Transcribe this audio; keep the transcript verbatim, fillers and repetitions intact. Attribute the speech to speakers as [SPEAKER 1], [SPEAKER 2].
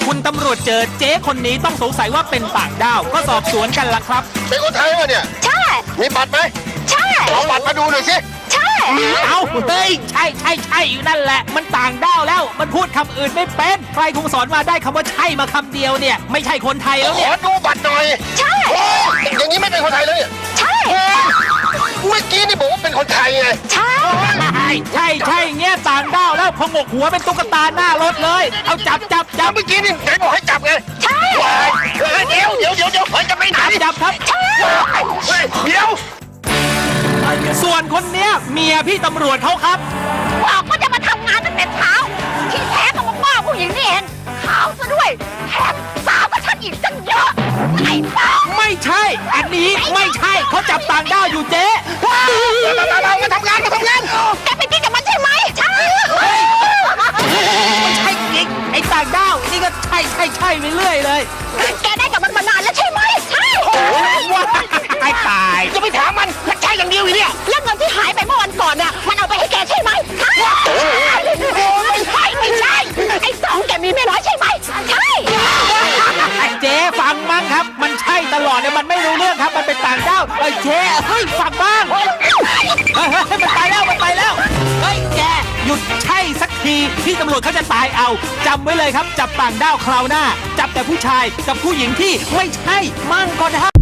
[SPEAKER 1] คุณตำรวจเจอเจ๊คนนี้ต้องสงสัยว่าเป็นต่างด้าวก็สอบสวนกันละครับ
[SPEAKER 2] เป็นคนไทยวะเนี่ย
[SPEAKER 3] ใช่
[SPEAKER 2] มีบัตรไหม
[SPEAKER 3] ใช่
[SPEAKER 2] เอาบัตรมาดูหน่อยสิ
[SPEAKER 3] ใช่
[SPEAKER 1] เอาเฮ้ยใช่ใช่ใช่อยู่นั่นแหละมันต่างด้าวแล้วมันพูดคำอื่นไม่เป็นใครคงสอนมาได้คำว่าใช่มาคำเดียวเนี่ยไม่ใช่คนไทยแล้วเนี่ย
[SPEAKER 2] ขอดูบัตรหน่อย
[SPEAKER 3] ใช่
[SPEAKER 2] อย่างนี้ไม่เป็นคนไทยแล้วเนี่ย
[SPEAKER 3] ใช่
[SPEAKER 2] เมื่อกี้นี่บอกว่าเป็นคนไทยไง
[SPEAKER 3] ใช่
[SPEAKER 1] ใช่ใช่เงี้ยต่างด้าวแล้วพงกหัวเป็นตุ๊กตาหน้ารถเลยเอาจับจับจับ
[SPEAKER 2] เมื่อกี้นี่ไหนบอกให้จับไง
[SPEAKER 3] ใช่
[SPEAKER 2] เดี๋ยวเดี๋ยวเดี๋ยวเดี๋ยวจะไปไหน
[SPEAKER 1] จับครับ
[SPEAKER 3] ใช่
[SPEAKER 2] เดี๋ยว
[SPEAKER 1] ส่วนคนเนี้ยเมียพี่ตำรวจเขาครับ
[SPEAKER 3] บอกว่าจะมาทำงานตั้งแต่เช้าที่แท้ก็มาว่าผู้หญิงนี่เองขาวซะด้วยแถมสาวก็ฉันอีกตั้งเยอะไอ้บ้า
[SPEAKER 1] ไม่ใช่อันนี้ไม่ใช่เขาจับต่างด้าวอยู่เจ๊
[SPEAKER 2] เรามาทำงานมาทำงาน
[SPEAKER 3] แกเป็นกิ๊กกับมันใช่ไหมใช่
[SPEAKER 1] ไม่ใช่กิ๊กไอ้ต่างด้าวนี่ก็ใช่ใช่ใช่ไปเรื่อยเลย
[SPEAKER 3] แกได้กับมันมานานแล้วใช่ไหมใช่
[SPEAKER 1] ว้าตายตาย
[SPEAKER 2] จะไปถามมันใช่อย่างเดียวอีเนี่ย
[SPEAKER 3] แล้วเงินที่หายไปเมื่อวันก่อนน่ะมันเอาไปให้แกใช่ไหมใช่ไม่ใช่ไม่ใช่ไอ้สองแกมีไม่น้อยใช่ไหมใช่
[SPEAKER 1] ไอ้เจ๊ฟังมั้งครับมันใช่ตลอดเนี่ยมันไม่รู้เรื่องครับมันเป็นต่างด้าวไอ้เจ๊เฮ้ยฟังบ้างเฮ้ยมันไปแล้วมันไปแล้วเฮ้ยแกหยุดใช่สักทีที่ตำรวจเขาจะตายเอาจำไว้เลยครับจับต่างด้าวคราวหน้าจับแต่ผู้ชายกับผู้หญิงที่ไม่ใช่มั่งก็ได้